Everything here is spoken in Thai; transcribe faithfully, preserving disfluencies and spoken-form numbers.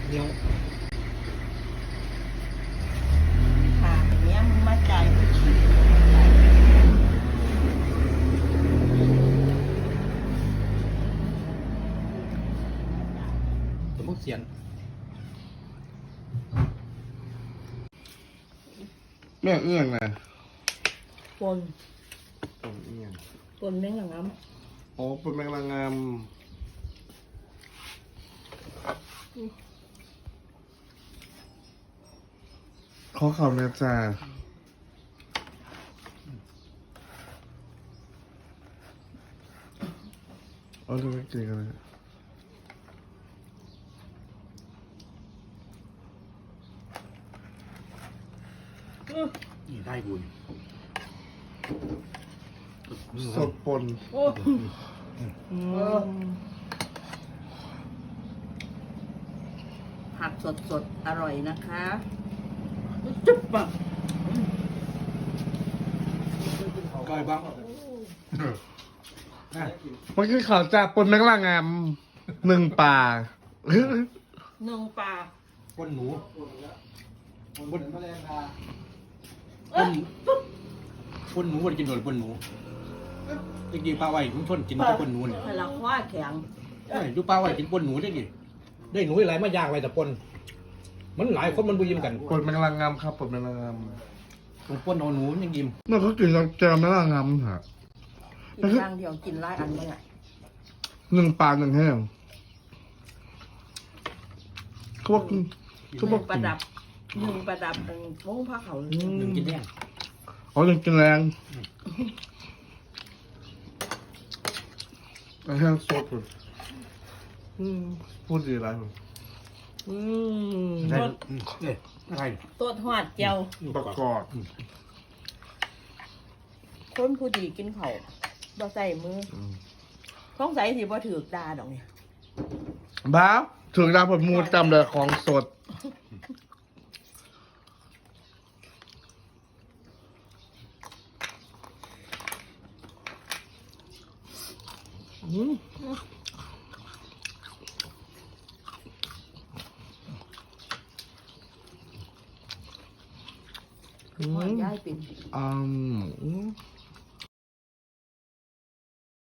เหนียวค่ะอย่างเงี้ยมึงมาจ่ายกูฉีดสมมติเสียนแม่เอื้องนะปนปนเอื้องปนแม่งหลังน้อ๋อปนแมงลางามขอข่าวนะจ๊ะเอาดูไม่กินกันเลยนี่ได้กูนี่สดปนำโอ้ผักสดสดๆอร่อยนะคะจุ๊บปะก้อยบ้างมันคือข่าวจากปนแมงลางามหนึ่งป่าหนึ่งปลาปนหนูปนเอ้ยปนหนูวันกินโดนปนหนูจริงๆปลาไว้คุณทนกินแต่ปนหนูเนี่ยพลังว่าแข็งเอ้ยดูปลาไว้กินปนหนูได้ดิได้หนูหลายมายากไว้แต่ปนมันหลายคนมันบุยิ้มกันปนแมงลางามครับปนแมงลางามมันปนเอาหนูมันยังยิ้มเมื่อเขากินแกงแมงลางามฮะกินอย่างเดียวกินหลายอันไม่ได้หนึ่งปลาหนึ่งแห้งเขาบอกเขาบอกประดับหนึ่งประดับเป็นพงผ้าเขาวหนึ่งกินแห้งอ๋อหนึ่งกินแรงแห้งสดเลยอืมพูดดีไรผมอืมได้เนี่ยอะไรตัวทอดเจียวประกอบคนผู้ดีกินเขาวบ่ใส่มือท้องใส่สิบ่ถือกดาดอกเนี่ยบ้าถึงดาวผลมูลจำเลยของสดอืมหอนย้ายเป็นอืม